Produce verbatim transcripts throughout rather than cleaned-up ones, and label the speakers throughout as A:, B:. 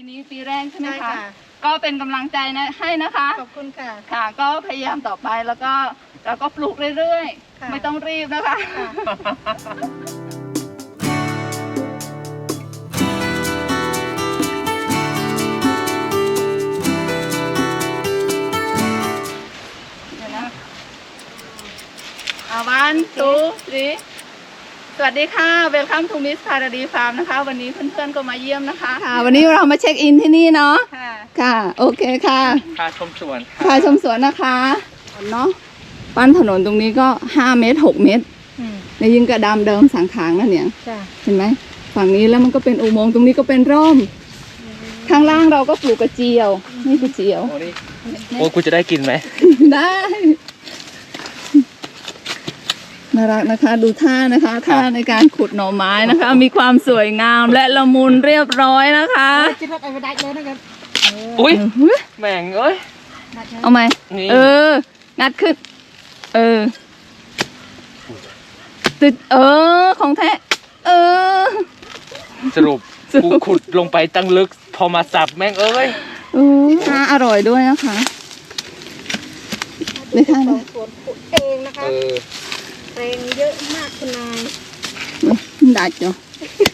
A: นี้ปีแรกใช่ไหมคะก็เป็นกำลังใจนะให้นะคะ
B: ขอบคุณค่ะ
A: ค่ะก็พยายามต่อไปแล้วก็เราก็ปลูกเรื่อยๆไม่ต้องรีบนะคะวันทูทรีสวัสดีค่ะเวลคัมทูมิสพาราดีฟาร์มนะคะวันนี้เพื่อนๆก็มาเยี่ยมนะคะค่ะวันนี้เรามาเช็คอินที่นี่เนาะค่ะค่ะโอเคค่ะ
C: พาชมสวน
A: พาชมสวนนะคะเนาะปั้นถนนตรงนี้ก็ห้าเมตรหกเมตรในยิงกระดามเดิมสังขางนั่นเนี่ยเห็นไหมฝั่งนี้แล้วมันก็เป็นอุโมงค์ตรงนี้ก็เป็นร่มข้างล่างเราก็ปลูกกระเจียวนี่กระเจียว
C: โอ้นี่โอ้กูจะได้กินไหม
A: ได้น่ารักนะคะดูท่านะคะท่าในการขุดหน่อไม้นะคะมีความสวยงามและละมุนเรียบร้อยนะคะ
B: คิดว่าไปได้เลยนะครับ
C: อุ้ยแม่งเอ้ย
A: เอาไหมเอองัดขึ้นเออติดเออของแท้เออ
C: สรุปกูขุดลงไปตั้งลึกพอมาสับแม่งเอ้ย
A: เออน่าอร่อยด้วยนะคะในท่านี้
B: สวนขุดเองนะคะแรงเยอะมากคุณนาย
A: ได้จ้ะ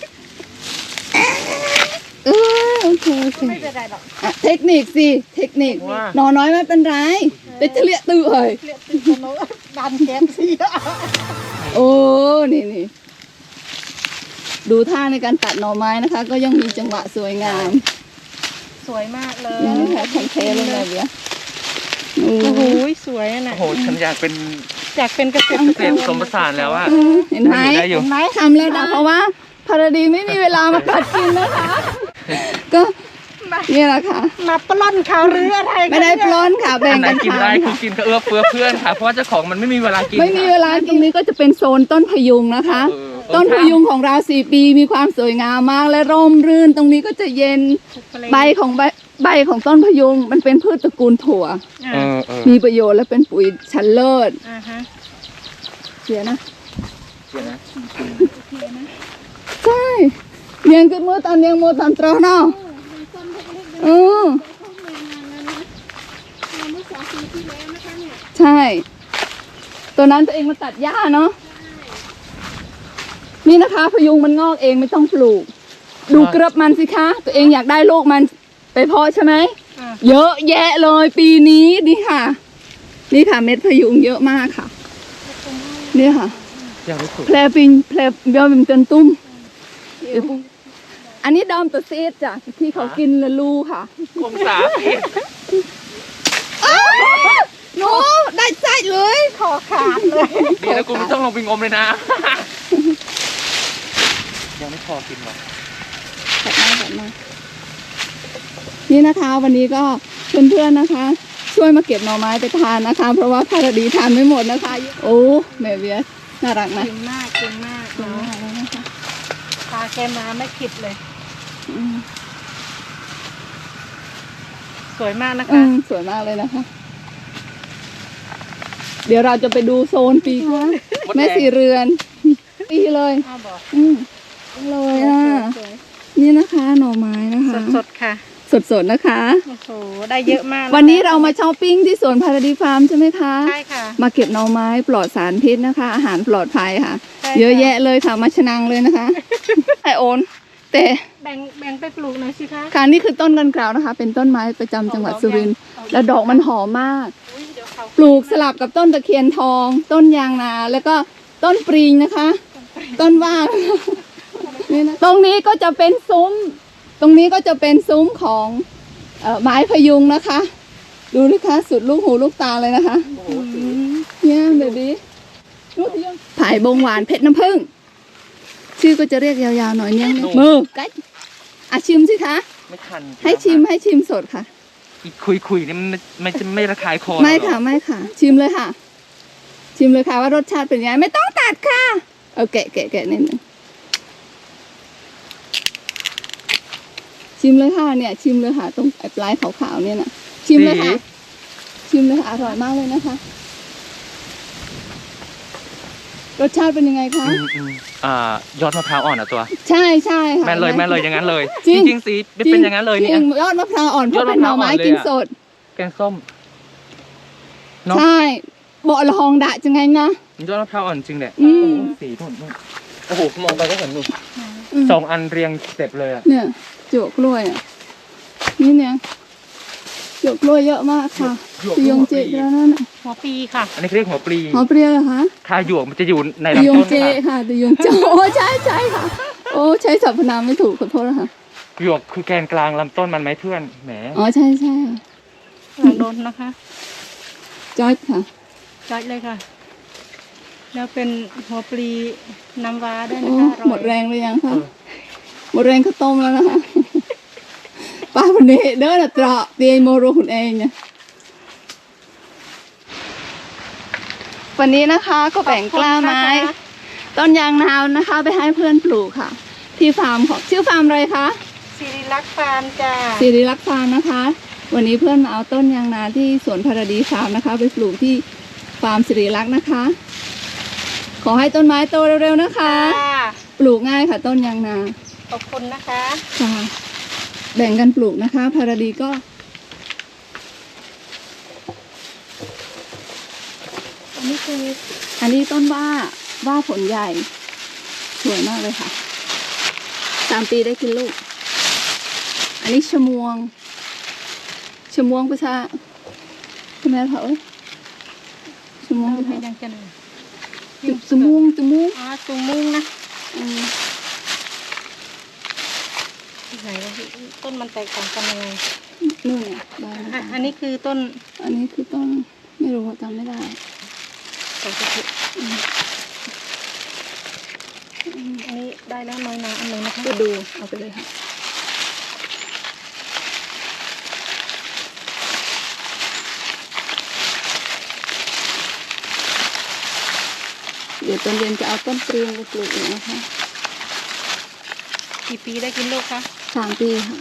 A: เออโอเคโอเค
B: ไม่เป็นไรหรอก
A: เทคนิคสิเทคนิคนอนน้อยไม่เป็นไรแต่เฉลี่ยตื้อเลย
B: เฉลี่ยตื้อโน้ดันแก๊สสิ
A: โอ้นี่นี่ดูท่าในการตัดหน่อไม้นะคะก็ยังมีจังหวะสวยงาม
B: สวยมากเลย
A: นี่ค่ะแข็งเทเลยเลยเบี้ย
B: โอ้โหสวยนะ
C: โอ้โหฉันอยากเป็น
B: อยากเป็นเกษตร
C: เกษตรผสมผสานแล้วอะ
A: เห็นไหมเห็นไหมทำแล้วนะเพราะว่าพาราดีไม่มีเวลามากัดกินนะคะก็นี่แหละค่ะ
B: มาปล้นเขาหรืออะไร
A: ไม่ได้ปล้นค่ะแบ่งกัน
C: กินได้คือกินก็เอื้อเฟื้อเพื่อนค่ะเพราะว่าเจ้าของมันไม่มีเวลากิน
A: ไม่มีเวลาตรงนี้ก็จะเป็นโซนต้นพยุงนะคะต้นพยุงของเราสี่ปีมีความสวยงามมากและร่มรื่นตรงนี้ก็จะเย็นใบของใบใบของต้นพยุงมันเป็นพืชตระกูลถั่วมีประโยชน์และเป็นปุ๋ยชั้นเลิศเสียนะ
C: เสียนะ
A: ใช่เลี้ยงขึ้นมือตอนเลี้ยงมือตอนตรอเนาะเออใช่ตัวนั้นตัวเองมาตัดหญ้าเนาะนี่นะคะพยุงมันงอกเองไม่ต้องปลูกดูกระบมันสิคะตัวเองอยากได้ลูกมันไปเพาะใช่ไหมเยอะแยะเลยปีนี้นี่ค่ะนี่ค่ะเม็ดพยุงเยอะมากค่ะนี่ค่ะแพลปิงแพลเบี้ยเป็นเต็นตุ้มอันนี้ดอมตัวเซตจ้ะที่เขากินละลูค่ะ
C: คงสาผิด
A: โน้ได้ใจเลย
B: ขอขาดเลย
C: ดีแล้วกูไม่ต้องลงไปงมเลยนะยังไม่พอกินหรอก
A: แบบมาแบบมานี่นะคะวันนี้ก็เพื่อนๆนะคะช่วยมาเก็บหน่อไม้ไปทานนะคะเพราะว่าพาราดีทานไม่หมดนะคะโอ้แม่เบียร์น่ารักนะ
B: เก่งมากเก่งมากเก่งมากเลยนะคะพาแกมาไม่คิดเลยสวยมากนะคะ
A: สวยมากเลยนะคะเดี๋ยวเราจะไปดูโซนปีกแม่สีเรือนปีเลยอืมเลยอ่ะนี่นะคะหน่อไม้นะคะ
B: สดๆค่ะ
A: สดๆนะคะ
B: โอ้โหได้เยอะมาก
A: วันนี้เรามาช้อปปิ้งที่สวนพาราดีฟาร์มใช่ไหมคะ
B: ใช่ค่ะ
A: มาเก็บหน่อไม้ปลอดสารพิษนะคะอาหารปลอดภัยค่ะเยอะแยะเลยค่ะมาชนังเลยนะคะไอโอนแต่
B: แบ่งแบ่งไปปลูกหน่อยสิคะ
A: ค่ะนี่คือต้นกันกราวนะคะเป็นต้นไม้ประจำจังหวัดสุรินทร์แล้วดอกมันหอมมากปลูกสลับกับต้นตะเคียนทองต้นยางนาแล้วก็ต้นปริงนะคะต้นว่างนี่นะตรงนี้ก็จะเป็นซุ้มตรงนี้ก็จะเป็นซุ้มของเอ่อไม้พยุงนะคะดูนะคะสุดลูกหูลูกตาเลยนะคะเนี่ยเบบี้ลูกพยุงผายบงหวานเพชรน้ำผึ้งชื่อก็จะเรียกยาวๆหน่อยเนี่ยมือกัดอ่ะชิมสิคะ
C: ไม่ทัน
A: ให้ชิมให้ชิมสดค่ะ
C: อีกคุยๆนี่มันไม่จะไม่ระคายคอ
A: ไม่ค่ะไม่ค่ะชิมเลยค่ะชิมเลยค่ะว่ารสชาติเป็นยังไงไม่ต้องตัดค่ะเอาแกะแกะแกะนิดนึงชิมเลยค่ะเนี่ยชิมเลยค่ะตรงปลายขาวๆเนี่ยนะชิมเลยค่ะชิมเลยค่ะอร่อยมากเลยนะคะรสชาติเป็นยังไงคะ
C: อ่ายอดมะพร้าวอ่อนอะตัว
A: ใช่ใช่ค่ะ
C: แม่นเลยแม่นเลยอย่างนั้นเลย
A: จริง
C: จริงๆสีเป็นเป็นอย่างนั้นเลยเนี่ย
A: จริงยอดมะพร้าวอ่อนเพ
C: ยอ
A: ราะ
C: ดมะ
A: เป็น
C: พ
A: หน่
C: ร้า
A: อ
C: วอ่อน
A: ไม้
C: เลย
A: กิน
C: อะ
A: สด
C: แกงส้มเนาะ
A: ใช่เบาะละหองดะจังไงนะ
C: ยอดมะพร้าวอ่อนจริงเนี่ย
A: อื
C: โอ้
A: ม
C: โหสีนู่นนู่นโอ้โหมองไปก็เห็นนู่น
A: อืม
C: สองอันเรียงเสร็จเลยอะ
A: เนี่ยจวกกล้วยอ่ะนี่เนี่ยจวกกล้วยเยอะมากค่ะตียงเจแล้วนั่นน่ะ
B: หัวปีค่ะ
C: อันนี้เขาเรียกหัวปลี
A: หอมเปรี้ยวเหรอคะ
C: คาหยวกมันจะอยู่ใน
A: ตีย
C: ลำ
A: ง
C: ต้น
A: เจ
C: ค่ะ
A: ค่ะตียงเจโอ้ใช่ใช่ค่ะ โอ้ใช้สรรพนามไม่ถูกขอโทษนะคะ
C: หยวกคือแกนกลางลำต้นมันไหมเพื่อนแหม
A: อ๋อใช่ใช่ค่ะ
B: หลังโดนนะคะ
A: จอยค่ะ
B: จัดเลยค่ะ แล้วเป็นหัวปลีน้ำว้าด้วยนะ
A: โอ้
B: คะออย
A: หมดแรงเลยยังคะหมดแรงข้าวต้มแล้วนะคะ ป้าคนนี้เดินอะตระเตียงโมโรคุณเองเนี่ยวันนี้นะคะก็แบ่งกล้าไม้ ต้นยางนาวนะคะ ไปให้เพื่อนปลูกค่ะ ที่ฟาร์มของชื่อฟาร์มอะไรคะ
B: สิริลักษ์ฟาร์มจ้า
A: สิริรักษ์ฟาร์มนะคะ วันนี้เพื่อนมาเอาต้นยางนาที่สวนพาราดีฟาร์มนะคะ ไปปลูกที่ฟาร์มสิริรักษ์นะคะ ขอให้ต้นไม้โตเร็วๆนะคะ
B: ค่ะ
A: ปลูกง่ายค่ะ ต้นยางนา
B: ขอบคุณนะคะ
A: ค่ะแบ่งกันปลูกนะคะ พาราดีก็
B: อันนี้คือ
A: อันนี้ต้นว่าว่าผลใหญ่สวยมากเลยค่ะสามปีได้กินลูก อันนี้ชะมวงชะมวงประชาใช่ไหมคะเอ้ยชะมวง
B: เรา
A: ประ
B: ให้
A: ชา
B: ยังจะหนึ่ง
A: จุจมูกจมูก
B: อ๋อจุงมุ้งนะ
A: อืม
B: ไหนวะพี่ต้นมันแตกต่างกันยังไง
A: นู่นเนี่ยได้
B: อ่ะ
A: แล้ว
B: อันนี้คือต้น
A: อันนี้คือต้นไม่รู้จำไม่ได้
B: สองกระปุกอันนี้ได้แล้วน้อยนาอันหนึ่งนะคะ
A: ก็ดูเอาไปเลยค่ะเดี๋ยวตอนเย็นจะเอาต้นปรีงไปปลูกอีกนะคะ
B: กี่ปีได้กินลูกคะ
A: สามปีค่ะ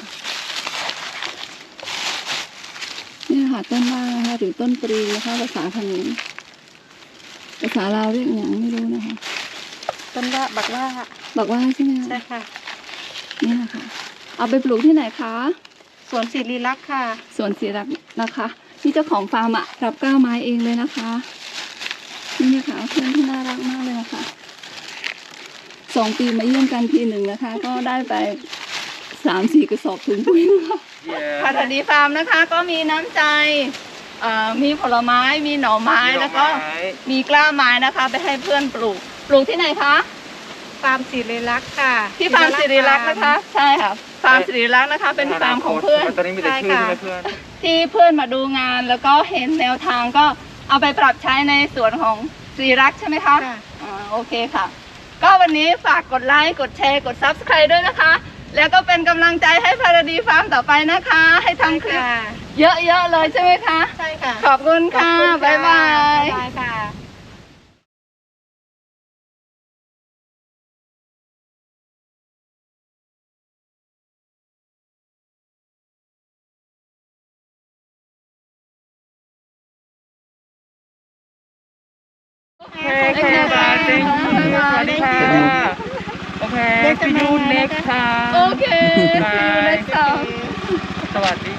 A: นี่ค่ะต้นว่านะคะหรือต้นปรีนะคะภาษาเขมรภาษาลาวเรียกอย่างไม่รู้นะคะ
B: ต้นว่าบักว่า
A: บอกว่าใช่ไหมคะ
B: ใช่ค่ะ
A: นี่นะคะเอาไปปลูกที่ไหนคะ
B: สวนสิริลักษ์ค่ะ
A: สวนศิรักษ์นะคะนี่เจ้าของฟาร์มอะรับก้าวไม้เองเลยนะคะนี่นะคะเพื่อนที่น่ารักมากเลยนะคะสองปีมาเยี่ยมกันทีหนึ่งนะคะ ก็ได้ไปสามสี่กระสอบถุงปุ๋ยนะคะพาราดีฟาร์มนะคะ ก็มีน้ำใจเอ่อมีผลไม้มีหน่อไม้แล้วก็มีกล้าไม้นะคะ ไปให้เพื่อนปลูก ปลูกที่ไหนคะ
B: ฟาร์มสิริลักษ์ค่ะ
A: ที่ฟาร์มสิริรักษ์นะคะ ใช่ค่ะฟาร์มสิริรักษ์นะคะ เป็นฟาร์มของเพื่อน
C: ตอนนี้มีแต่ชื่อใช่ไหมเพื่อน
A: ที่เพื่อนมาดูงานแล้วก็เห็นแนวทางก็เอาไปปรับใช้ในส่วนของสิริรักษ์ใช่ไหมคะ
B: ค่ะ
A: อ่าโอเคค่ะ ก็วันนี้ฝากกดไลค์กดแชร์กด ซับสไครบ์ ด้วยนะคะ แล้วก็เป็นกำลังใจให้พาราดีฟาร์มต่อไปนะคะ ให้ทำคลิป
B: ค่ะ
A: เยอะๆเลยใช่ไหมคะ
B: ใช่ค่ะ
A: ขอบคุณค่ะ
B: ขอบณ
A: บ๊ายบาย
B: บ๊ายบายค่ะ
C: โอเคค่ะ thank you สวัสดีค่ะ โอเค see you next time
A: โอเค see you next time
C: สวัสดี